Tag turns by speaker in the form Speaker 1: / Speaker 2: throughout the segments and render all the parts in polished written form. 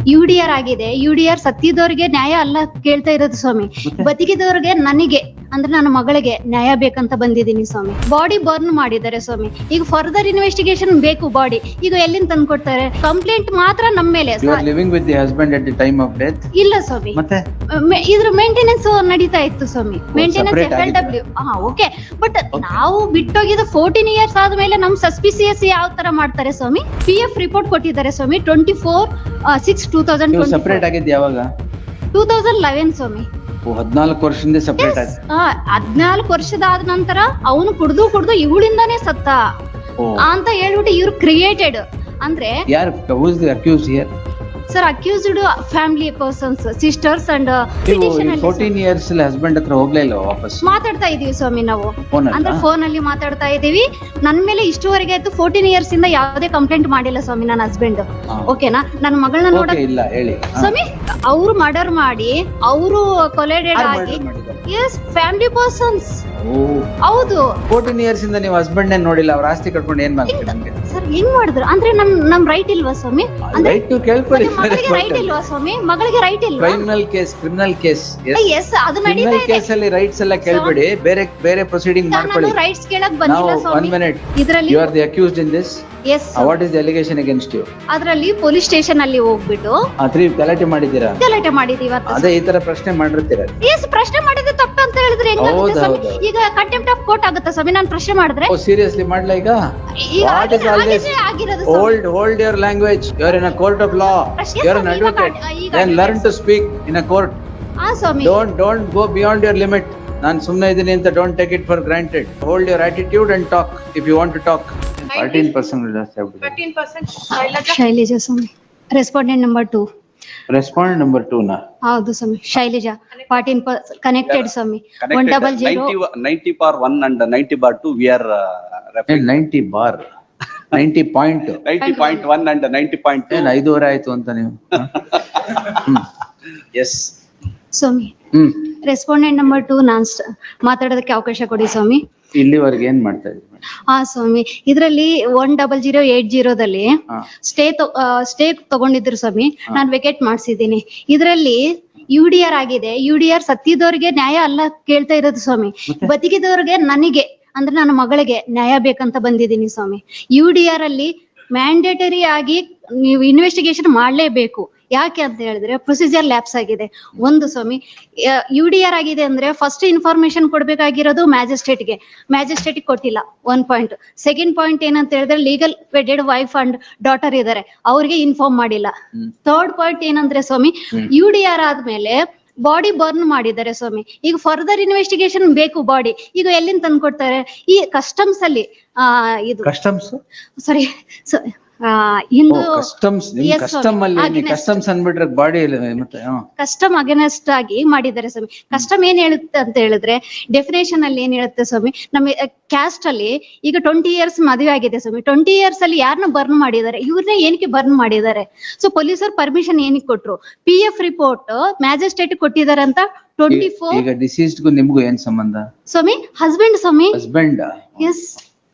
Speaker 1: UDR ಆಗಿದೆ. UDR ಸತ್ತಿದವ್ರಿಗೆ ನ್ಯಾಯ ಅಲ್ಲ ಕೇಳ್ತಾ ಇರೋದು ಸ್ವಾಮಿ, ಬದುಕಿದವ್ರಿಗೆ ನನಗೆ ಅಂದ್ರೆ ನನ್ನ ಮಗಳಿಗೆ ನ್ಯಾಯ ಬೇಕಂತ ಬಂದಿದ್ದೀನಿ ಸ್ವಾಮಿ. ಬಾಡಿ ಬರ್ನ್ ಮಾಡಿದ್ದಾರೆ ಸ್ವಾಮಿ. ಈಗ ಫರ್ದರ್ ಇನ್ವೆಸ್ಟಿಗೇಷನ್ ಬೇಕು ಬಾಡಿ. ಈಗ ಎಲ್ಲಿಂದ ತಂದು ಕೊಡ್ತಾರೆ? ಕಂಪ್ಲೇಂಟ್ ಮಾತ್ರ ನಮ್ಮ ಮೇಲೆ.
Speaker 2: Living with the husband at the time of death?
Speaker 1: ಇಲ್ಲ ಸ್ವಾಮಿ,
Speaker 2: ಮತ್ತೆ
Speaker 1: ಇದ್ರ ಮೇಂಟೆನೆನ್ಸ್ ನಡೀತಾ ಇತ್ತು ಸ್ವಾಮಿ. Maintenance FLW. ಓಕೆ, ಬಟ್ ನಾವು ಬಿಟ್ಟೋಗಿದ್ದು 14 ಇಯರ್ಸ್ ಆದ್ಮೇಲೆ ನಮ್ ಸಸ್ಪಿಸಿಯಸ್ ಯಾವ ತರ ಮಾಡ್ತಾರೆ ಸ್ವಾಮಿ? PF ರಿಪೋರ್ಟ್ ಕೊಟ್ಟಿದ್ದಾರೆ ಸ್ವಾಮಿ 24/6/2020.
Speaker 2: ಸಪರೇಟ್ ಆಗಿದ್ದು ಯಾವಾಗ?
Speaker 1: 2011 ಸ್ವಾಮಿ.
Speaker 2: 14 ವರ್ಷದಿಂದ ಸಪರೇಟ್ ಆಗಿ.
Speaker 1: 14 ವರ್ಷದಾದ ನಂತರ ಅವನು ಕುಡ್ದು ಇವಳಿಂದಾನೇ ಸತ್ತ ಅಂತ ಹೇಳ್ಬಿಟ್ಟು ಇವ್ರು ಕ್ರಿಯೇಟೆಡ್. ಅಂದ್ರೆ
Speaker 2: ಯಾರು? Who is the accused here?
Speaker 1: Sir, accused family persons, sisters and
Speaker 2: 14 years husband ಹತ್ರ ಹೋಗ್ಲೇ ಇಲ್ಲ ವಾಪಸ್?
Speaker 1: ಮಾತಾಡ್ತಾ ಇದೀವಿ ಸ್ವಾಮಿ ನಾವು.
Speaker 2: Phone ಅಲ್ಲ?
Speaker 1: ಅಂದ್ರೆ ಫೋನ್ ಅಲ್ಲಿ ಮಾತಾಡ್ತಾ ಇದೀವಿ. ನನ್ ಮೇಲೆ ಇಷ್ಟುವರೆಗೆ ಆಯ್ತು 14 ಇಯರ್ಸ್ ಇಂದ ಯಾವುದೇ ಕಂಪ್ಲೇಂಟ್ ಮಾಡಿಲ್ಲ ಸ್ವಾಮಿ ನನ್ನ ಹಸ್ಬೆಂಡ್. ಓಕೆನಾ? ನನ್ನ ಮಗಳನ್ನ ನೋಡ
Speaker 2: ಇಲ್ಲ ಹೇಳಿ
Speaker 1: ಸ್ವಾಮಿ, ಅವ್ರು ಮರ್ಡರ್ ಮಾಡಿ ಅವರು ಕೊಲೆಡೆಡ್ ಆಗಿ. Yes, family persons. ಹೌದು.
Speaker 2: 14 ಇಯರ್ಸ್ ಇಂದ ನೀವು ಹಸ್ಬೆಂಡ್ ನೇ ನೋಡಿಲ್ಲ, ಅವ್ರ ಆಸ್ತಿ ಕಟ್ಕೊಂಡು ಏನ್ ಮಾಡ್ತೀರಿ?
Speaker 1: ಸರ್, ಹೆಂಗ್ ಮಾಡಿದ್ರು ಅಂದ್ರೆ ನಮ್ ರೈಟ್ ಇಲ್ವಾ ಸ್ವಾಮಿ?
Speaker 2: ರೈಟ್ ನೀವು ಕೇಳ್ಕೊಳ್ಳಿ.
Speaker 1: ಮಗಳಿಗೆ ರೈಟ್ ಇಲ್ವಾ ಸ್ವಾಮಿ? ಮಗಳಿಗೆ ರೈಟ್ ಇಲ್ವಾ?
Speaker 2: ಕ್ರಿಮಿನಲ್ ಕೇಸ್
Speaker 1: ಎಸ್, ಅದು ನಡೀತಾ ಇದೆ.
Speaker 2: ಕೇಸ್ ಅಲ್ಲಿ ರೈಟ್ಸ್ ಎಲ್ಲ ಕೇಳ್ಬೇಡಿ, ಬೇರೆ ಪ್ರೊಸೀಡಿಂಗ್ ಮಾಡ್ಕೊಳ್ಳಿ.
Speaker 1: ರೈಟ್ಸ್ ಕೇಳಕ್ ಬಂದಿಲ್ಲ ಸ್ವಾಮಿ.
Speaker 2: 1 minute.
Speaker 1: ಇದರಲ್ಲಿ
Speaker 2: You are the accused in this?
Speaker 1: Yes.
Speaker 2: What is the allegation against you?
Speaker 1: ಅದರಲ್ಲಿ ಪೊಲೀಸ್ ಸ್ಟೇಷನ್ ಅಲ್ಲಿ ಹೋಗ್ಬಿಟ್ಟು
Speaker 2: ಗಲಾಟೆ ಮಾಡಿದ್ದೀರಾ?
Speaker 1: ಗಲಾಟೆ ಮಾಡಿದೀವಿ ಇವತ್ತು.
Speaker 2: ಅದೇ ಈ ತರ ಪ್ರಶ್ನೆ ಮಾಡಿರ್ತೀರ?
Speaker 1: ಎಸ್, ಪ್ರಶ್ನೆ ಮಾಡಿದ್ರೆ ತಪ್ಪು ಅಂತ ಹೇಳಿದ್ರೆ ಹೆಂಗಾಗುತ್ತೆ ಸ್ವಾಮಿ? ಈಗ ಕಂಟೆಂಪ್ಟ್ ಆಫ್ ಕೋರ್ಟ್ ಆಗುತ್ತಾ ಸ್ವಾಮಿ ನಾನು ಪ್ರಶ್ನೆ ಮಾಡಿದ್ರೆ?
Speaker 2: ಸೀರಿಯಸ್ಲಿ ಮಾಡ್ಲಾ ಈಗ?
Speaker 1: ಆಗಿರೋದು
Speaker 2: Hold your language. You are in a court of law. You are an advocate. Then learn to speak in a court.
Speaker 1: Swami.
Speaker 2: Don't go beyond your limit. ನಾನು ಸುಮ್ಮನೆ ಇದ್ದೀನಿ ಅಂತ don't take it for granted. Hold your attitude and talk if you want to talk. 13% ಜಾಸ್ತಿ ಆಗ್ಬಿಟ್ಟಿದೆ.
Speaker 3: 13%
Speaker 1: ಶೈಲಜಾ ಸ್ವಾಮಿ, respondent number 2.
Speaker 2: Respondent number 2 ನಾ?
Speaker 1: ಹೌದು ಸ್ವಾಮಿ, ಶೈಲಜಾ 14% ಕನೆಕ್ಟೆಡ್ ಸ್ವಾಮಿ. 100
Speaker 4: 90/1 and 90/2 we are
Speaker 2: 90 bar 90 point
Speaker 4: 90.1 and 90.2.
Speaker 2: ಏನ್ 5 ಆಯ್ತು ಅಂತ ನೀವು?
Speaker 4: ಎಸ್
Speaker 1: ಸ್ವಾಮಿ, ರೆಸ್ಪಾಂಡೆಂಟ್ ನಂಬರ್ 2 ನಾನ್ ಮಾತಾಡೋದಕ್ಕೆ ಅವಕಾಶ ಕೊಡಿ ಸ್ವಾಮಿ.
Speaker 2: ಇಲ್ಲಿವರೆಗೆ ಏನ್ ಮಾಡ್ತಾ ಇದ್ದೀವಿ?
Speaker 1: ಸ್ವಾಮಿ, ಇದರಲ್ಲಿ 10080 ಸ್ಟೇ ತಗೊಂಡಿದ್ರು ಸ್ವಾಮಿ. ನಾನು ವೆಕೇಟ್ ಮಾಡ್ಸಿದ್ದೀನಿ. ಇದರಲ್ಲಿ UDR ಆಗಿದೆ. UDR ಸತ್ತಿದವ್ರಿಗೆ ನ್ಯಾಯ ಅಲ್ಲ ಕೇಳ್ತಾ ಇರೋದು ಸ್ವಾಮಿ, ಬದುಕಿದವ್ರಿಗೆ ನನಗೆ ಅಂದ್ರೆ ನನ್ನ ಮಗಳಿಗೆ ನ್ಯಾಯ ಬೇಕಂತ ಬಂದಿದ್ದೀನಿ ಸ್ವಾಮಿ. UDR ಅಲ್ಲಿ ಮ್ಯಾಂಡೇಟರಿ ಆಗಿ ನೀವು ಇನ್ವೆಸ್ಟಿಗೇಷನ್ ಮಾಡ್ಲೇಬೇಕು. ಯಾಕೆ ಅಂತ ಹೇಳಿದ್ರೆ ಪ್ರೊಸೀಜರ್ ಲ್ಯಾಪ್ಸ್ ಆಗಿದೆ. ಒಂದು ಸ್ವಾಮಿ, UDR ಆಗಿದೆ ಅಂದ್ರೆ ಫಸ್ಟ್ ಇನ್ಫಾರ್ಮೇಶನ್ ಕೊಡ್ಬೇಕಾಗಿರೋದು ಮ್ಯಾಜಿಸ್ಟ್ರೇಟ್ಗೆ ಕೊಟ್ಟಿಲ್ಲ. 1 ಪಾಯಿಂಟ್. ಸೆಕೆಂಡ್ ಪಾಯಿಂಟ್ ಏನಂತ ಹೇಳಿದ್ರೆ legal wedded wife and daughter ಇದಾರೆ, ಅವ್ರಿಗೆ ಇನ್ಫಾರ್ಮ್ ಮಾಡಿಲ್ಲ. ಥರ್ಡ್ ಪಾಯಿಂಟ್ ಏನಂದ್ರೆ ಸ್ವಾಮಿ, UDR ಆದ್ಮೇಲೆ ಬಾಡಿ ಬರ್ನ್ ಮಾಡಿದ್ದಾರೆ ಸ್ವಾಮಿ. ಈಗ ಫರ್ದರ್ ಇನ್ವೆಸ್ಟಿಗೇಷನ್ ಬೇಕು ಬಾಡಿ. ಈಗ ಎಲ್ಲಿಂದ ತಂದು ಕೊಡ್ತಾರೆ? ಈ ಕಸ್ಟಮ್ಸ್ ಅಲ್ಲಿ ಇದು ಸಾರಿ ಹಿಂದೂ
Speaker 2: ಕಸ್ಟಮ್ಸ್ ಅನ್ಬಿಟ್ರೆ ಬಾಡಿ ಮತ್ತೆ
Speaker 1: ಕಸ್ಟಮ್ ಅಗೇನೆಸ್ಟ್ ಆಗಿ ಮಾಡಿದ್ದಾರೆ ಸ್ವಾಮಿ. ಕಸ್ಟಮ್ ಏನ್ ಹೇಳುತ್ತೆ ಅಂತ ಹೇಳಿದ್ರೆ ಡೆಫಿನೇಷನ್ ಅಲ್ಲಿ ಏನ್ ಹೇಳುತ್ತೆ ಸ್ವಾಮಿ, ನಮ್ಮ ಕ್ಯಾಸ್ಟ್ ಅಲ್ಲಿ ಈಗ 20 ಇಯರ್ಸ್ ಮದುವೆ ಆಗಿದೆ ಸ್ವಾಮಿ. 20 ಇಯರ್ಸ್ ಅಲ್ಲಿ ಯಾರನ್ನ ಬರ್ನ್ ಮಾಡಿದ್ದಾರೆ? ಇವ್ರನ್ನೇ ಏನಕ್ಕೆ ಬರ್ನ್ ಮಾಡಿದ್ದಾರೆ? ಸೊ ಪೊಲೀಸರು ಪರ್ಮಿಷನ್ ಏನಕ್ಕೆ ಕೊಟ್ರು? PF ರಿಪೋರ್ಟ್ ಮ್ಯಾಜಿಸ್ಟ್ರೇಟ್ ಕೊಟ್ಟಿದ್ದಾರೆ ಅಂತ 24.
Speaker 2: ಈಗ ಡಿಸೀಸ್ಡ್ ಗೂ ನಿಮ್ಗೂ ಏನ್ ಸಂಬಂಧ
Speaker 1: ಸ್ವಾಮಿ? ಹಸ್ಬೆಂಡ್ ಸ್ವಾಮಿ.
Speaker 2: ಹಸ್ಬೆಂಡ್?
Speaker 1: ಎಸ್.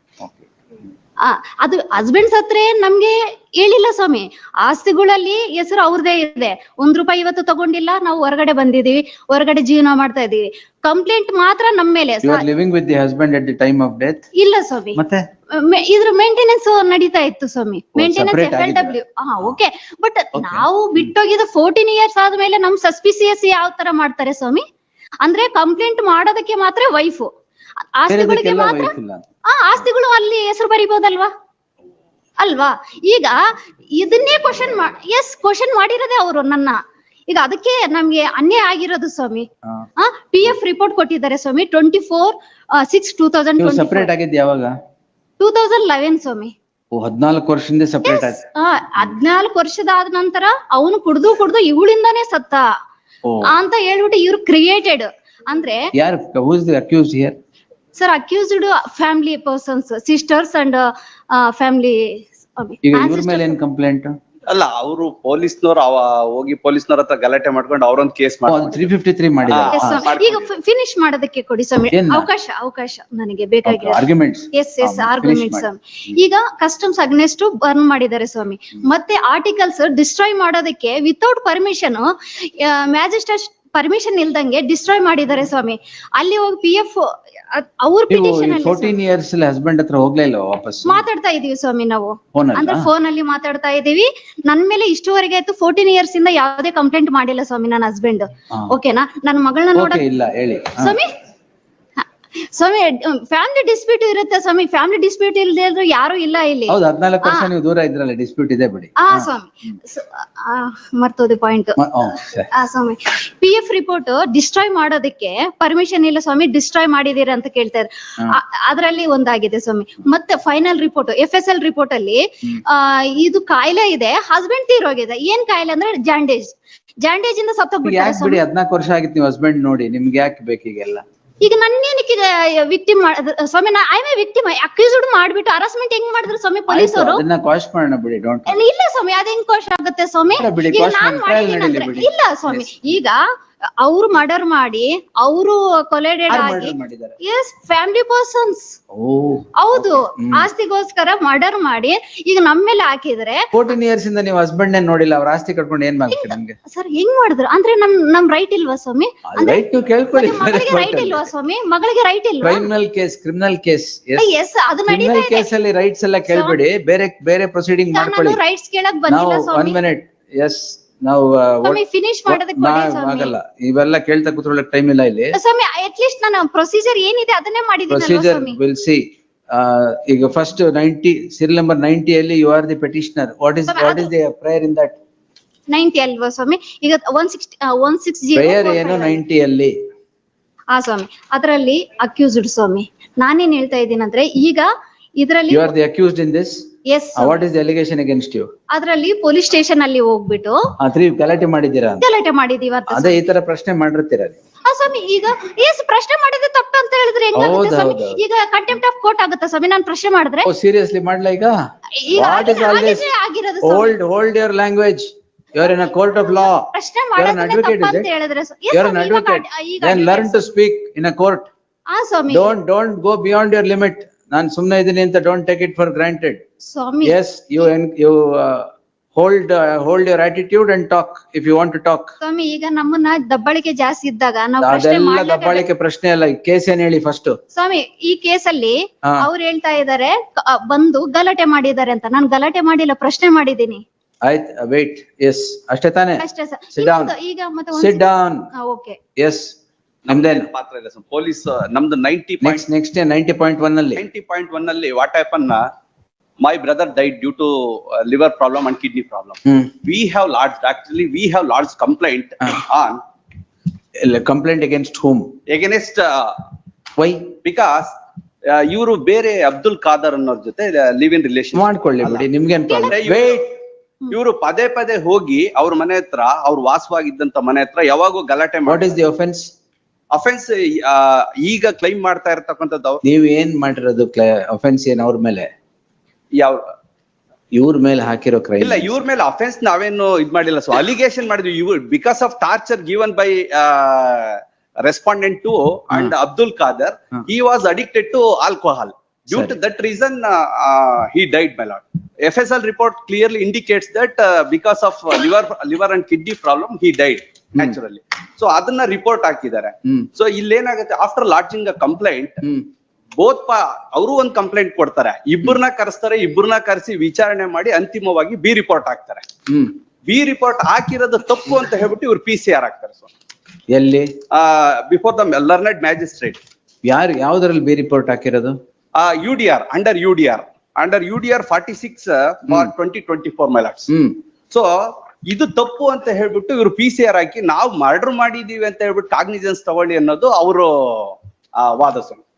Speaker 1: ಅದು ಹಸ್ಬೆಂಡ್ ಸತ್ರೆ ನಮ್ಗೆ ಹೇಳಿಲ್ಲ ಸ್ವಾಮಿ. ಆಸ್ತಿಗಳಲ್ಲಿ ಹೆಸರು ಅವ್ರದೇ ಇದೆ. ₹1 ಇವತ್ತು ತಗೊಂಡಿಲ್ಲ, ನಾವು ಹೊರಗಡೆ ಬಂದಿದೀವಿ, ಹೊರಗಡೆ ಜೀವನ ಮಾಡ್ತಾ ಇದೀವಿ. ಕಂಪ್ಲೇಂಟ್ ಮಾತ್ರ ನಮ್ಮ ಮೇಲೆ.
Speaker 2: Living with the husband at the time of death?
Speaker 1: ಇಲ್ಲ ಸ್ವಾಮಿ,
Speaker 2: ಮತ್ತೆ
Speaker 1: ಇದ್ರ ಮೇಂಟೆನೆನ್ಸ್ ನಡೀತಾ ಇತ್ತು ಸ್ವಾಮಿ. Maintenance FLW. ಓಕೆ, ಬಟ್ ನಾವು ಬಿಟ್ಟೋಗಿದ್ದು 14 ಇಯರ್ಸ್ ಆದ್ಮೇಲೆ ನಮ್ ಸಸ್ಪಿಸಿಯಸ್ ಯಾವ ತರ ಮಾಡ್ತಾರೆ ಸ್ವಾಮಿ? ಅಂದ್ರೆ ಕಂಪ್ಲೇಂಟ್ ಮಾಡೋದಕ್ಕೆ ಮಾತ್ರ ವೈಫ್, ಆಸ್ತಿಗಳಿಗೆ ಮಾತ್ರ. ಆಸ್ತಿಗಳು ಅಲ್ಲಿ ಹೆಸರು ಬರಿಬಹುದಲ್ವಾ? ಅಲ್ವಾ? ಈಗ ಇದನ್ನೇ ಕ್ವಶನ್ ಮಾಡಿರೋದೇ ಅವರು ನನ್ನ. ಈಗ ಅದಕ್ಕೆ ನಮ್ಗೆ ಅನ್ಯಾಯ ಆಗಿರೋದು ಸ್ವಾಮಿ. PF ರಿಪೋರ್ಟ್ ಕೊಟ್ಟಿದ್ದಾರೆ ಸ್ವಾಮಿ 24/6/2020.
Speaker 2: ಸಪರೇಟ್ ಆಗಿದ್ದು ಯಾವಾಗ?
Speaker 1: 2011 ಸ್ವಾಮಿ.
Speaker 2: 14 ವರ್ಷದಿಂದ ಸಪರೇಟ್ ಆಯ್ತು.
Speaker 1: 14 ವರ್ಷದಾದ ನಂತರ ಅವನು ಕುಡ್ದು ಇವಳಿಂದಾನೇ ಸತ್ತ ಅಂತ ಹೇಳ್ಬಿಟ್ಟು ಇವ್ರು ಕ್ರಿಯೇಟೆಡ್. ಅಂದ್ರೆ
Speaker 2: ಯಾರು? Who is the accused here?
Speaker 1: Sir, accused family persons, sisters and family.
Speaker 2: ಈಗ ಇವ್ರ ಮೇಲೆ ಏನ್ ಕಂಪ್ಲೇಂಟ್?
Speaker 4: ಅಲ್ಲ ಅವರು ಪೊಲೀಸ್ನವ್ರು ಹೋಗಿ ಪೊಲೀಸ್ನವ್ರ ಹತ್ರ ಗಲಾಟೆ ಮಾಡ್ಕೊಂಡು ಅವ್ರೊಂದ್ ಕೇಸ್ ಮಾಡ್ತಾರೆ.
Speaker 2: 353 ಮಾಡಿದ್ದಾರೆ.
Speaker 1: Yes, ಸ್ವಾಮಿ. ಈಗ ಫಿನಿಶ್ ಮಾಡೋದಕ್ಕೆ ಕೊಡಿ ಸ್ವಾಮಿ,
Speaker 2: ಏನ್?
Speaker 1: ಅವಕಾಶ ನನಗೆ ಬೇಕಾಗಿರೋ
Speaker 2: ಆರ್ಗ್ಯುಮೆಂಟ್ಸ್.
Speaker 1: ಎಸ್ ಆರ್ಗ್ಯುಮೆಂಟ್ ಸ್ವಾಮಿ. ಈಗ ಕಸ್ಟಮ್ಸ್ ಅಗ್ನೆಸ್ಟ್ ಬರ್ನ್ ಮಾಡಿದ್ದಾರೆ ಸ್ವಾಮಿ, ಮತ್ತೆ ಆರ್ಟಿಕಲ್ಸ್ ಡಿಸ್ಟ್ರಾಯ್ ಮಾಡೋದಕ್ಕೆ ವಿತೌಟ್ ಪರ್ಮಿಷನ್, ಮ್ಯಾಜಿಸ್ಟ್ರೇಟ್ ಪರ್ಮಿಷನ್ ಇಲ್ದಂಗೆ ಡಿಸ್ಟ್ರಾಯ್ ಮಾಡಿದ್ದಾರೆ ಸ್ವಾಮಿ. ಅಲ್ಲಿ ಹೋಗಿ PF ಅವ್ರ ಪಿಟಿಷನ್ ಅಲ್ಲಿ
Speaker 2: 14 years ಹಸ್ಬೆಂಡ್ ಹತ್ರ ಹೋಗ್ಲೇ ಇಲ್ಲ ವಾಪಸ್?
Speaker 1: ಮಾತಾಡ್ತಾ ಇದೀವಿ ಸ್ವಾಮಿ ನಾವು,
Speaker 2: Phone ಅಲ್ಲ?
Speaker 1: ಅಂದ್ರೆ ಫೋನ್ ಅಲ್ಲಿ ಮಾತಾಡ್ತಾ ಇದೀವಿ. ನನ್ ಮೇಲೆ ಇಷ್ಟುವರೆಗೆ ಆಯ್ತು 14 years ಇಂದ ಯಾವುದೇ ಕಂಪ್ಲೇಂಟ್ ಮಾಡಿಲ್ಲ ಸ್ವಾಮಿ ನನ್ನ ಹಸ್ಬೆಂಡ್. ಓಕೆನಾ? ನನ್ನ ಮಗಳನ್ನ ನೋಡ
Speaker 2: ಓಕೆ, ಇಲ್ಲ ಹೇಳಿ.
Speaker 1: ಸ್ವಾಮಿ, ಸ್ವಾಮಿ ಫ್ಯಾಮಿಲಿ ಡಿಸ್ಪ್ಯೂಟ್ ಇರುತ್ತೆ ಸ್ವಾಮಿ. ಫ್ಯಾಮಿಲಿ ಡಿಸ್ಪ್ಯೂಟ್ ಇಲ್ಲದೆ ಇದ್ರು ಯಾರು ಇಲ್ಲ ಇಲ್ಲಿ.
Speaker 2: ಹೌದು, 14 ವರ್ಷ ನೀವು ದೂರ ಇದ್ರಲ್ಲ, ಡಿಸ್ಪ್ಯೂಟ್ ಇದೆ ಬಿಡಿ.
Speaker 1: ಸ್ವಾಮಿ ಮರ್ತೋದೆ ಪಾಯಿಂಟ್. ಸ್ವಾಮಿ PF ರಿಪೋರ್ಟ್ ಡಿಸ್ಟ್ರಾಯ್ ಮಾಡೋದಕ್ಕೆ ಪರ್ಮಿಷನ್ ಇಲ್ಲ ಸ್ವಾಮಿ, ಡಿಸ್ಟ್ರಾಯ್ ಮಾಡಿದೀರ ಅಂತ ಕೇಳ್ತಾ ಇದ್ದಾರೆ. ಅದ್ರಲ್ಲಿ ಒಂದಾಗಿದೆ ಸ್ವಾಮಿ. ಮತ್ತೆ ಫೈನಲ್ ರಿಪೋರ್ಟ್ FSL ರಿಪೋರ್ಟ್ ಅಲ್ಲಿ ಇದು ಕಾಯಿಲೆ ಇದೆ, ಹಸ್ಬೆಂಡ್ ತೀರೋಗಿದೆ. ಏನ್ ಕಾಯಿಲೆ ಅಂದ್ರೆ ಜಾಂಡೇಜ್ ಇಂದ ಸತ್ತೋಗ್ಬಿಟ್ಟಾರೆ
Speaker 2: ಯಾಕೆ ಬಿಡಿ, 14 ವರ್ಷ ಆಗಿತ್ತು ನೀವು ಹಸ್ಬೆಂಡ್ ನೋಡಿ, ನಿಮ್ಗೆ ಯಾಕೆ ಬೇಕೀಗೆಲ್ಲ?
Speaker 1: ಈಗ ನನ್ನೇನಕ್ಕೆ ವಿಕ್ಟಿಮ್ ಸ್ವಾಮಿ? ಐ ಮೇ ವಿಕ್ಟಿಮ್ ಅಕ್ಯೂಸ್ಡ್ ಮಾಡ್ಬಿಟ್ಟು ಹರಾಸ್ಮೆಂಟ್ ಹೆಂಗ್ ಮಾಡಿದ್ರು ಸ್ವಾಮಿ ಪೊಲೀಸರು?
Speaker 2: ಅದನ್ನ ಕ್ವಾಶ್ ಮಾಡೋಣ ಬಿಡಿ, ಡೋಂಟ್.
Speaker 1: ಇಲ್ಲ ಸ್ವಾಮಿ, ಅದ್ ಹೆಂಗ್ ಕೋಶ ಆಗುತ್ತೆ ಸ್ವಾಮಿ?
Speaker 2: ಬಿಡಿ,
Speaker 1: ಈಗ
Speaker 2: quash
Speaker 1: ನಾನ್
Speaker 2: ಮಾಡಿ, trial
Speaker 1: ಮಾಡಿದೀನಿ
Speaker 2: ನಡೀಲಿ
Speaker 1: ಅಂದ್ರೆ
Speaker 2: ಬಿಡಿ.
Speaker 1: ಇಲ್ಲ ಸ್ವಾಮಿ, ಈಗ ಅವ್ರು ಮರ್ಡರ್ ಮಾಡಿ, ಅವರು ಕೊಲೆಡೆಡ್ ಆಗಿ,
Speaker 2: ಮಾಡಿದ್ದಾರೆ.
Speaker 1: ಎಸ್ ಫ್ಯಾಮಿಲಿ ಪರ್ಸನ್ಸ್, ಹೌದು, ಆಸ್ತಿಗೋಸ್ಕರ ಮರ್ಡರ್ ಮಾಡಿ ಈಗ ನಮ್ ಮೇಲೆ ಹಾಕಿದ್ರೆ
Speaker 2: 14 years ಇಂದ ನೀವು ಹಸ್ಬೆಂಡ್ ನೋಡಿಲ್ಲ, ಅವ್ರ ಆಸ್ತಿ ಕಟ್ಕೊಂಡು ಏನ್ ಮಾಡ್ತೀರಿ ನಮ್ಗೆ?
Speaker 1: ಸರ್ ಹೆಂಗ್ ಮಾಡಿದ್ರು ಅಂದ್ರೆ ನಮ್ ರೈಟ್ ಇಲ್ವಾ ಸ್ವಾಮಿ?
Speaker 2: ರೈಟ್ ನೀವು ಕೇಳ್ಕೊಳ್ಳಿ.
Speaker 1: ಮಗಳಿಗೆ ರೈಟ್ ಇಲ್ವಾ ಸ್ವಾಮಿ? ಮಗಳಿಗೆ ರೈಟ್ ಇಲ್ವಾ?
Speaker 2: ಕ್ರಿಮಿನಲ್ ಕೇಸ್
Speaker 1: ಎಸ್ ಅದು ನಡೀತಾ
Speaker 2: ಕ್ರಿಮಿನಲ್
Speaker 1: ಇದೆ.
Speaker 2: ಕೇಸ್ ಅಲ್ಲಿ ರೈಟ್ಸ್ ಎಲ್ಲ ಕೇಳ್ಬೇಡಿ, ಬೇರೆ ಪ್ರೊಸೀಡಿಂಗ್ ಮಾಡ್ಕೊಳ್ಳಿ.
Speaker 1: ನಾನು ರೈಟ್ಸ್ ಕೇಳಕ್
Speaker 2: ನಾವು
Speaker 1: ಬಂದಿಲ್ಲ
Speaker 2: 1
Speaker 1: ಸ್ವಾಮಿ.
Speaker 2: minute, ಎಸ್ ನಾವು
Speaker 1: ಸ್ವಾಮಿ ಫಿನಿಶ್ ಮಾಡೋದಕ್ಕೆ ಕೊಡಿ ಸ್ವಾಮಿ.
Speaker 2: ಆಗಲ್ಲ, ಇವೆಲ್ಲ ಕೇಳ್ತಾ ಕೂತ್ಕೊಳ್ಳಕ್ ಟೈಮ್ ಇಲ್ಲ ಇಲ್ಲಿ.
Speaker 1: ಸ್ವಾಮಿ ಅಟ್ ಲೀಸ್ಟ್ ನಾನು ಪ್ರೊಸೀಜರ್ ಏನಿದೆ ಅದನ್ನೇ ಮಾಡಿದ್ದೀನಲ್ವಾ
Speaker 2: ಪ್ರೊಸೀಜರ್
Speaker 1: ಸ್ವಾಮಿ?
Speaker 2: Will see. ಈಗ ಫಸ್ಟ್ 90 serial number 90 ಅಲ್ಲಿ you are the petitioner. What is the prayer in that?
Speaker 1: 90 ಅಲ್ವಾ ಸ್ವಾಮಿ? ಈಗ 160
Speaker 2: ಪ್ರೇಯರ್ ಏನು 90 ಅಲ್ಲಿ?
Speaker 1: ಸ್ವಾಮಿ ಅದರಲ್ಲಿ ಅಕ್ಯೂಸ್ಡ್ ಸ್ವಾಮಿ. ನಾನೇನ್ ಹೇಳ್ತಾ ಇದ್ದೀನಿ ಅಂದ್ರೆ, ಈಗ ಇದರಲ್ಲಿ
Speaker 2: you are the accused in this.
Speaker 1: Yes,
Speaker 2: what is the allegation against you?
Speaker 1: ಅದರಲ್ಲಿ ಪೊಲೀಸ್ ಸ್ಟೇಷನ್ ಅಲ್ಲಿ ಹೋಗ್ಬಿಟ್ಟು
Speaker 2: 3 ಗಲಾಟೆ ಮಾಡಿದ್ದೀರಾ ಅಂತ.
Speaker 1: ಗಲಾಟೆ ಮಾಡಿದೀವಿ ಅಂತ
Speaker 2: ಅದೇ ಈ ತರ ಪ್ರಶ್ನೆ ಮಾಡಿರ್ತೀರ.
Speaker 1: ಸ್ವಾಮಿ. ಈಗ ಪ್ರಶ್ನೆ ಮಾಡಿದ್ರೆ ತಪ್ಪು ಅಂತ ಹೇಳಿದ್ರೆ ಹೆಂಗಾಗುತ್ತೆ ಸ್ವಾಮಿ?
Speaker 2: ಹೌದು.
Speaker 1: ಈಗ ಕಂಟೆಂಪ್ಟ್ ಆಫ್ ಕೋರ್ಟ್ ಆಗುತ್ತಾ ಸ್ವಾಮಿ ನಾನು ಪ್ರಶ್ನೆ ಮಾಡಿದ್ರೆ?
Speaker 2: ಸೀರಿಯಸ್ಲಿ ಮಾಡ್ಲಾ ಈಗ?
Speaker 1: ಈಗ
Speaker 2: What is all this?
Speaker 1: ಆಗಿರೋದು ಸ್ವಾಮಿ.
Speaker 2: Hold your language. You are in a court of law.
Speaker 1: ಪ್ರಶ್ನೆ
Speaker 2: You are an
Speaker 1: ಮಾಡೋದನ್ನೇ
Speaker 2: advocate,
Speaker 1: ತಪ್ಪು
Speaker 2: is
Speaker 1: ಅಂತ
Speaker 2: it?
Speaker 1: ಹೇಳಿದ್ರೆ
Speaker 2: You are an advocate. Then learn to speak in a court.
Speaker 1: Swami.
Speaker 2: Don't go beyond your limit. ನಾನ್ ಸುಮ್ನೆ ಇದೀನಿ ಅಂತ don't take it for granted.
Speaker 1: Swami
Speaker 2: Yes, you hold your attitude and talk if you want to talk.
Speaker 1: ಸ್ವಾಮಿ ಈಗ ನಮ್ಮನ್ನ ದಬ್ಬಳಿಕೆ ಜಾಸ್ತಿ ಇದ್ದಾಗ ನಾವು ಪ್ರಶ್ನೆ
Speaker 2: ಅದೆಲ್ಲ
Speaker 1: ಮಾಡ್ಲೇಬೇಕು.
Speaker 2: ದಬ್ಬಾಳಿಕೆ ಪ್ರಶ್ನೆ ಅಲ್ಲ, ಕೇಸ್ ಏನ್ ಹೇಳಿ ಫಸ್ಟ್.
Speaker 1: ಸ್ವಾಮಿ ಈ ಕೇಸಲ್ಲಿ
Speaker 2: ಹಾ.
Speaker 1: ಅವ್ರು ಹೇಳ್ತಾ ಇದಾರೆ ಬಂದು ಗಲಾಟೆ ಮಾಡಿದ್ದಾರೆ ಅಂತ. ನಾನು ಗಲಾಟೆ ಮಾಡಿಲ್ಲ, ಪ್ರಶ್ನೆ ಮಾಡಿದೀನಿ
Speaker 2: ಆಯ್ತು, wait. Yes, ಅಷ್ಟೇ ತಾನೇ?
Speaker 1: ಅಷ್ಟೇ ಸರ್.
Speaker 2: Sit down.
Speaker 1: ಈಗ ಮತ್ತೆ
Speaker 2: Sit down.
Speaker 1: ಓಕೆ.
Speaker 2: Yes. ನಮ್ದೇನು
Speaker 4: ಪಾತ್ರ ಇಲ್ಲ ಸರ್. ಪೊಲೀಸ್ ನಮ್ದು
Speaker 2: ನೆಕ್ಸ್ಟ್ 90.1 ಅಲ್ಲಿ
Speaker 4: 90.1 ಅಲ್ಲಿ what happen, my brother died due to liver problem and kidney problem. We have lodged complaint on
Speaker 2: complaint against whom?
Speaker 4: against
Speaker 2: Why?
Speaker 4: because ಇವರು ಬೇರೆ ಅಬ್ದುಲ್ ಖಾದರ್ ಅನ್ನೋರ್ ಜೊತೆ ಲಿವ್ ಇನ್ ರಿಲೇಶನ್
Speaker 2: ಮಾಡ್ಕೊಳ್ಳಿ ಬಿಡಿ, ನಿಮ್ಗೇನ್ ಪ್ರಾಬ್ಲಮ್?
Speaker 4: ವೇಟ್, ಇವರು ಪದೇ ಹೋಗಿ ಅವ್ರ ಮನೆ ಹತ್ರ, ಅವ್ರು ವಾಸವಾಗಿದ್ದಂತ ಮನೆ ಹತ್ರ ಯಾವಾಗೂ ಗಲಾಟೆ
Speaker 2: what is the offence?
Speaker 4: Offence ಈಗ ಕ್ಲೈಮ್ ಮಾಡ್ತಾ ಇರ್ತಕ್ಕಂಥದ್ದು ಅವ್ರು.
Speaker 2: ನೀವ್ ಏನ್ ಮಾಡಿರೋದು ಒಫೆನ್ಸ್ ಏನ್ ಅವ್ರ ಮೇಲೆ?
Speaker 4: ಯಾವ
Speaker 2: ಇವ್ರ ಮೇಲೆ ಹಾಕಿರೋ ಕ್ರೈಮ್
Speaker 4: ಇಲ್ಲ, ಇವ್ರ ಮೇಲೆ ಅಫೆನ್ಸ್ ನಾವೇನು ಇದ್ ಮಾಡಿಲ್ಲ. ಸೊ ಅಲಿಗೇಷನ್ ಮಾಡಿದ್ವಿ. ಇವ್ರು because of torture given by respondent two and Abdul Khader, he was addicted to alcohol. Due to that reason he died, my lord. FSL report clearly indicates that because of liver and kidney problem he died naturally. So ಅದನ್ನ report ಹಾಕಿದ್ದಾರೆ. So ಇಲ್ಲೇನಾಗುತ್ತೆ, after lodging a complaint, both ಅವರು ಒಂದ್ complaint ಕೊಡ್ತಾರೆ, ಇಬ್ಬರನ್ನ ಕರೆಸಿ ವಿಚಾರಣೆ ಮಾಡಿ ಅಂತಿಮವಾಗಿ ಬಿ ರಿಪೋರ್ಟ್ ಹಾಕ್ತಾರೆ. ಬಿ ರಿಪೋರ್ಟ್ ಹಾಕಿರೋದು ತಪ್ಪು ಅಂತ ಹೇಳ್ಬಿಟ್ಟು ಇವ್ರು PCR ಹಾಕ್ತಾರೆ. ಸೊ
Speaker 2: ಎಲ್ಲಿ?
Speaker 4: Before the learned magistrate.
Speaker 2: ಯಾವ್ದ್ರಲ್ಲಿ ಬಿ ರಿಪೋರ್ಟ್ ಹಾಕಿರೋದು?
Speaker 4: UDR, under UDR 46 for 2024, my lords. So ಇದು ತಪ್ಪು ಅಂತ ಹೇಳ್ಬಿಟ್ಟು ಇವ್ರು PCR ಹಾಕಿ ನಾವು ಮರ್ಡರ್ ಮಾಡಿದೀವಿ ಅಂತ ಹೇಳ್ಬಿಟ್ಟು ಕಾಗ್ನಿಜೆನ್ಸ್ ತಗೊಳ್ಳಿ ಅನ್ನೋದು ಅವರು ವಾದ.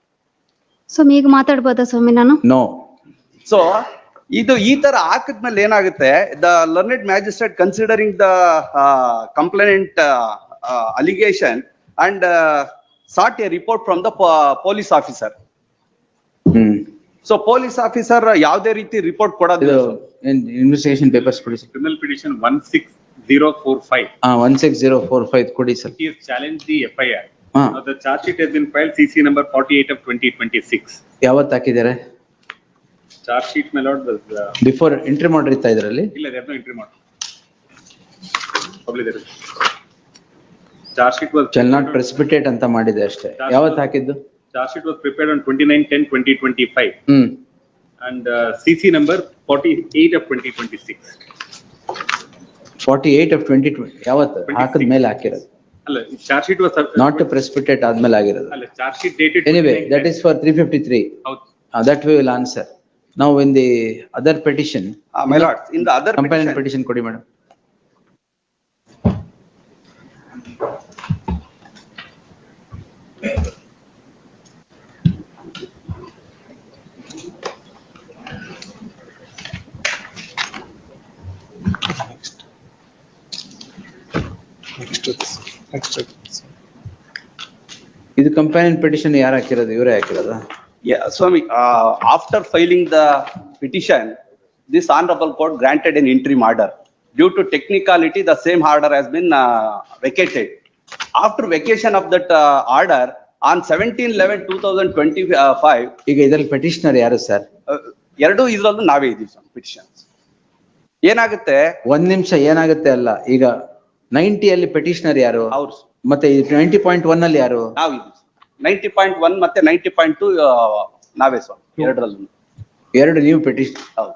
Speaker 1: ಸ್ವಾಮಿ ಈಗ ಮಾತಾಡ್ಬೋದಾ ಸ್ವಾಮಿ ನಾನು?
Speaker 2: ನೋ.
Speaker 4: ಸೊ ಇದು ಈ ತರ ಹಾಕಿದ್ಮೇಲೆ ಏನಾಗುತ್ತೆ, the learned magistrate considering the complaint allegation and sought a report from the police officer. So police officer ಯಾವ್ದೇ ರೀತಿ ರಿಪೋರ್ಟ್
Speaker 2: ಇದು
Speaker 4: ಕೊಡೋದಿಲ್ಲ.
Speaker 2: ಇನ್ವೆಸ್ಟಿಗೇಷನ್ ಪೇಪರ್ಸ್ ಕೊಡಿ ಸರ್.
Speaker 3: Criminal petition 16045.
Speaker 2: 16045 ಕೊಡಿ sir.
Speaker 3: He has challenged the FIR.
Speaker 2: ಹಾ.
Speaker 3: Now the charge sheet has been filed CC number 48 of 2026.
Speaker 2: ಯಾವತ್ತು ಹಾಕಿದ್ದಾರೆ?
Speaker 3: Charge sheet my lord was,
Speaker 2: before entry ಮಾಡಿರ್ತಾ ಇದ್ರಲ್ಲಿ?
Speaker 3: illa they have no entry model. Probably there is. Charge sheet was.
Speaker 2: Shall not precipitate ಅಂತ ಮಾಡಿದೆ ಅಷ್ಟೇ. ಯಾವತ್ತು ಹಾಕಿದ್ದು?
Speaker 3: Charge sheet was prepared on 29/10/2025
Speaker 2: hmm.
Speaker 3: and CC number 48 of 2026.
Speaker 2: 48 of 2020 ಯಾವತ್ತು? ಹಾಕಿದ ಮೇಲೆ ಹಾಕಿರೋದು.
Speaker 3: ಅಲ್ಲ charge sheet was.
Speaker 2: Not to precipitate ಆದ್ಮೇಲೆ ಆಗಿರೋದು.
Speaker 3: ಅಲ್ಲ charge sheet dated.
Speaker 2: Anyway, that is for 353.
Speaker 3: ಹೌದು.
Speaker 2: That we will answer. Now in the other petition.
Speaker 4: My lord, in the other
Speaker 2: Companion
Speaker 4: petition,
Speaker 2: petition ಕೊಡಿ ಮೇಡಮ್. ಇದು companion petition ಯಾರು ಹಾಕಿರೋದು? ಇವರೇ ಹಾಕಿರೋದಾ?
Speaker 4: yeah, Swami, after filing the petition, this honorable court granted an interim order. Due to technicality, the same order has been vacated. After vacation of that order, on 17/11/2025,
Speaker 2: ಈಗ ಇದ್ರಲ್ಲಿ petitioner ಯಾರು sir?
Speaker 4: ಎರಡು ಇದ್ರಲ್ಲೂ ನಾವೇ ಇದೀವಿ ಸ್ವಾಮಿ petitions. ಏನಾಗುತ್ತೆ,
Speaker 2: ಒಂದ್ ನಿಮಿಷ ಏನಾಗುತ್ತೆ ಅಲ್ಲ, ಈಗ 90 ಅಲ್ಲಿ ಪೆಟಿಷನರ್ ಯಾರು?
Speaker 4: ಅವ್ರು
Speaker 2: ಮತ್ತೆ 90.1 ಅಲ್ಲಿ ಯಾರು?
Speaker 4: ನಾವಿದೀವಿ 90.1 ಮತ್ತೆ 90.2 ನಾವೇ ಸ್ವಾಮಿ ಎರಡರಲ್ಲೂ.
Speaker 2: ಎರಡು ನೀವು ಪೆಟಿಷನ್.
Speaker 4: ಹೌದು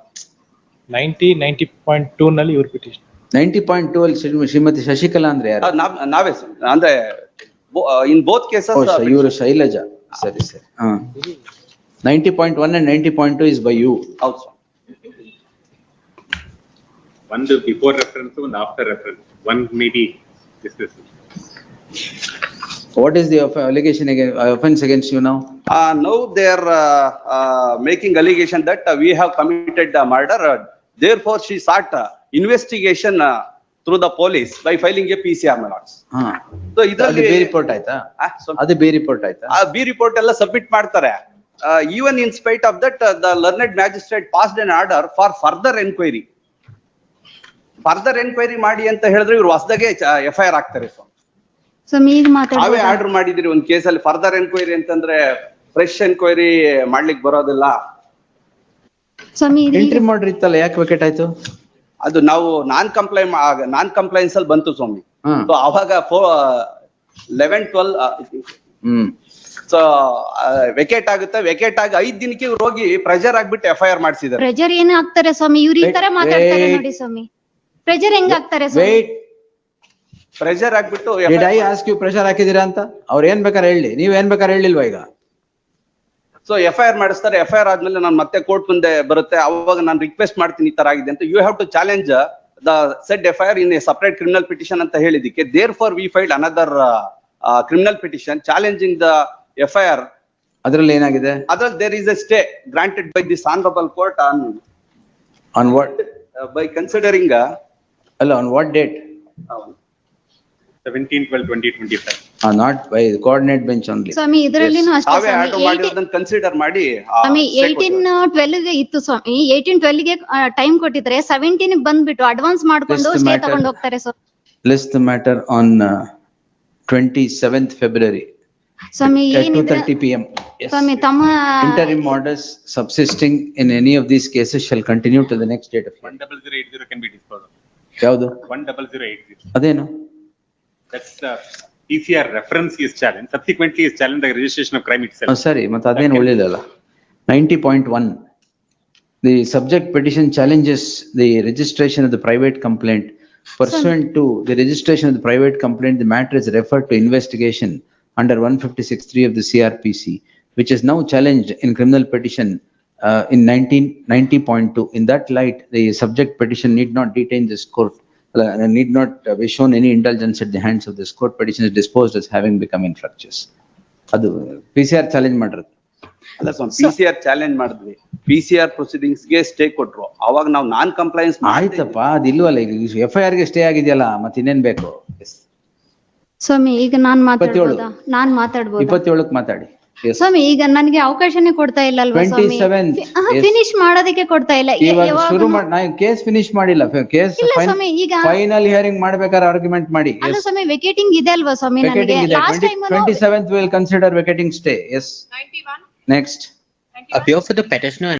Speaker 5: 90.2 ನಲ್ಲಿ ಇವ್ರ ಪಿಟಿಷನ್.
Speaker 2: 90.2 ಅಲ್ಲಿ ಶ್ರೀಮತಿ ಶಶಿಕಲಾ ಅಂದ್ರೆ ಯಾರು?
Speaker 4: ನಾವೇ ಸ್ವಾಮಿ. ಅಂದ್ರೆ ಇನ್ ಬೋತ್ ಕೇಸಸ್
Speaker 2: ಇವರು ಶೈಲಜಾ. ಸರಿ ಸರಿ. 90.1 and 90.2 is by you.
Speaker 4: ಹೌದು ಸ್ವಾಮಿ.
Speaker 3: One before reference, one after reference. One may be discussed.
Speaker 2: What is the allegation against, offense against you now?
Speaker 4: Now they are making allegation that we have committed the murder. Therefore, she sought investigation through the police by filing a PCR, my lords.
Speaker 2: ಹಾ.
Speaker 4: So
Speaker 2: ಅದು
Speaker 4: ಇದರಲ್ಲಿ
Speaker 2: B report ಆಯ್ತಾ? ಅದು B report ಆಯ್ತಾ?
Speaker 4: B report ಎಲ್ಲ submit ಮಾಡ್ತಾರೆ. Even in spite of that, the learned magistrate passed an order for further enquiry. Further enquiry ಮಾಡಿ ಅಂತ ಹೇಳಿದ್ರೆ ಇವ್ರು ಹೊಸದಾಗೆ FIR ಆಗ್ತಾರೆ.
Speaker 1: ಸೊ ಈಗ
Speaker 4: ನಾವೇ
Speaker 1: ಮಾತಾಡ್ಬೋದಾ?
Speaker 4: ಆರ್ಡರ್ ಮಾಡಿದಿರಿ ಒಂದ್ ಕೇಸಲ್ಲಿ ಫರ್ದರ್ ಎನ್ಕ್ವೈರಿ ಅಂತಂದ್ರೆ ಫ್ರೆಶ್ ಎನ್ಕ್ವೈರಿ ಮಾಡ್ಲಿಕ್ಕೆ ಬರೋದಿಲ್ಲ.
Speaker 1: ಸ್ವಾಮಿ
Speaker 2: ಎಂಟ್ರಿ ಮಾಡ್ರಿ ಇತ್ತಲ್ಲ, ಯಾಕೆ ವಿಕೆಟ್ ಆಯ್ತು?
Speaker 4: ಅದು ನಾವು ನಾನ್ ಕಂಪ್ಲೈನ್ಸ್ ಅಲ್ಲಿ ಬಂತು ಸ್ವಾಮಿ.
Speaker 2: ಹ್ಮ್.
Speaker 4: ಸೊ ಅವಾಗ 11-12
Speaker 2: ಹ್ಮ್.
Speaker 4: ಸೊ ವೆಕೇಟ್ ಆಗುತ್ತೆ. ವೆಕೇಟ್ ಆಗಿ 5 ದಿನಕ್ಕೆ ಇವ್ರು ಹೋಗಿ ಪ್ರೆಷರ್ ಆಗ್ಬಿಟ್ಟು FIR ಮಾಡಿಸಿದ್ದಾರೆ.
Speaker 1: ಪ್ರೆಜರ್ ಏನ್ ಆಗ್ತಾರೆ ಸ್ವಾಮಿ? ಇವ್ರು ಈ ತರ
Speaker 2: Wait,
Speaker 1: ಮಾತಾಡ್ತಾರೆ
Speaker 2: wait.
Speaker 1: ನೋಡಿ ಸ್ವಾಮಿ. ಪ್ರೆಜರ್ ಹೆಂಗ್ ಆಗ್ತಾರೆ ಸ್ವಾಮಿ?
Speaker 2: Wait,
Speaker 4: ಪ್ರೆಷರ್ ಆಗ್ಬಿಟ್ಟು
Speaker 2: did I ask you pressure ಹಾಕಿದೀರಾ ಅಂತ? ಅವ್ರು ಏನ್ ಬೇಕಾದ್ರೆ ಹೇಳಿ, ನೀವ್ ಏನ್ ಬೇಕಾದ್ರೆ ಹೇಳಿಲ್ವಾ ಈಗ?
Speaker 4: ಸೊ FIR ಮಾಡಿಸ್ತಾರೆ. FIR ಆದ್ಮೇಲೆ ನಾನು ಮತ್ತೆ ಕೋರ್ಟ್ ಮುಂದೆ ಬರುತ್ತೆ. ಅವಾಗ ನಾನು ರಿಕ್ವೆಸ್ಟ್ ಮಾಡ್ತೀನಿ ಈ ತರ ಆಗಿದೆ ಅಂತ. You have to challenge the said FIR in a separate criminal petition ಅಂತ ಹೇಳಿದಕ್ಕೆ therefore we filed another criminal petition challenging the FIR.
Speaker 2: ಅದ್ರಲ್ಲಿ ಏನಾಗಿದೆ?
Speaker 4: ಅದ್ರಲ್ಲಿ there is a stay granted by this honorable court
Speaker 2: On what?
Speaker 4: by considering
Speaker 2: ಅಲ್ಲ, on what date?
Speaker 3: 17/12/2025.
Speaker 2: Not by the coordinate bench only.
Speaker 1: ಸ್ವಾಮಿ ಇದ್ರಲ್ಲಿನೂ ಅಷ್ಟೇ
Speaker 4: ತಾವೇ
Speaker 1: ಸ್ವಾಮಿ.
Speaker 4: Order ಮಾಡಿರೋದನ್ನ consider ಮಾಡಿ
Speaker 1: ಸ್ವಾಮಿ 18/12 ಗೆ ಇತ್ತು ಸ್ವಾಮಿ. 18/12 ಗೆ ಟೈಮ್ ಕೊಟ್ಟಿದ್ರೆ 17 ಗೆ ಬಂದ್ಬಿಟ್ಟು ಅಡ್ವಾನ್ಸ್ ಮಾಡ್ಕೊಂಡು
Speaker 2: List
Speaker 1: ಸ್ಟೇ
Speaker 2: matter.
Speaker 1: ತಗೊಂಡು ಹೋಗ್ತಾರೆ ಸ್ವಾಮಿ.
Speaker 2: List the matter on 27th February
Speaker 1: Swami
Speaker 2: at
Speaker 1: ಏನಿದ್ರೆ
Speaker 2: 2:30 PM. Yes.
Speaker 1: ಸ್ವಾಮಿ ತಮ್ಮ
Speaker 2: Interim orders subsisting in any of these cases shall continue to the next date of hearing.
Speaker 3: 10080 can be disposed of.
Speaker 2: ಯಾವುದು?
Speaker 3: 10080.
Speaker 2: ಅದೇನು?
Speaker 3: That's the PCR reference is challenged. Subsequently is challenged the registration of crime itself.
Speaker 2: ಸರಿ, ಮತ್ತೆ ಅದೇನು ಉಳಿದಲ್ಲ. 90.1. The subject petition challenges the registration of the private complaint. Pursuant to the registration of the private complaint, the matter is referred to investigation under 156(3) of the CRPC, which is now challenged in criminal petition in 90.2. In that light, the subject petition need not detain this court, need not be shown any indulgence at the hands of this court. Petition is disposed as having become infructuous. ಅದು PCR challenge ಮಾಡಿರೋದು.
Speaker 4: ಅಲ್ಲ ಸ್ವಾಮಿ, PCR challenge ಮಾಡಿದ್ವಿ. PCR proceedings ಗೆ stay ಕೊಟ್ರು. ಅವಾಗ ನಾವು non compliance
Speaker 2: ಆಯ್ತಪ್ಪ, ಅದು ಇಲ್ವಲ್ಲ ಈಗ. FIR ಗೆ ಸ್ಟೇ ಆಗಿದೆಯಲ್ಲ, ಮತ್ತೆ ಇನ್ನೇನ್ ಬೇಕು?
Speaker 1: ಸ್ವಾಮಿ ಈಗ ನಾನ್ ಮಾತಾಡ್ಬೋದಾ? ನಾನ್ ಮಾತಾಡ್ಬೋದಾ?
Speaker 2: 27ಕ್ಕೆ ಮಾತಾಡಿ. Yes.
Speaker 1: ಸ್ವಾಮಿ ಈಗ ನನಗೆ ಅವಕಾಶನೇ ಕೊಡ್ತಾ ಇಲ್ಲ ಅಲ್ವಾ ಸ್ವಾಮಿ?
Speaker 2: 27th, yes.
Speaker 1: ಫಿನಿಶ್ ಮಾಡೋದಕ್ಕೆ ಕೊಡ್ತಾ ಇಲ್ಲ.
Speaker 2: ಇವಾಗ
Speaker 1: ಯಾವಾಗ್ಲೂ-
Speaker 2: ಶುರು ಮಾಡಿ, ನಾ ಕೇಸ್ ಫಿನಿಶ್ ಮಾಡಿಲ್ಲ, ಕೇಸ್
Speaker 1: ಇಲ್ಲ ಸ್ವಾಮಿ, ಈಗ
Speaker 2: ಫೈನಲ್ ಹಿಯರಿಂಗ್ ಮಾಡ್ಬೇಕಾದ್ರೆ ಆರ್ಗ್ಯುಮೆಂಟ್ ಮಾಡಿ.
Speaker 1: ಅಲ್ಲ ಸ್ವಾಮಿ, ವೆಕೇಟಿಂಗ್ ಇದೆ ಅಲ್ವಾ ಸ್ವಾಮಿ ನನಗೆ?
Speaker 2: Vacating ಇದೆ.
Speaker 1: Last time
Speaker 2: 27th will consider vacating stay. Yes.
Speaker 5: 91.
Speaker 2: Next.
Speaker 6: appear for the petitioner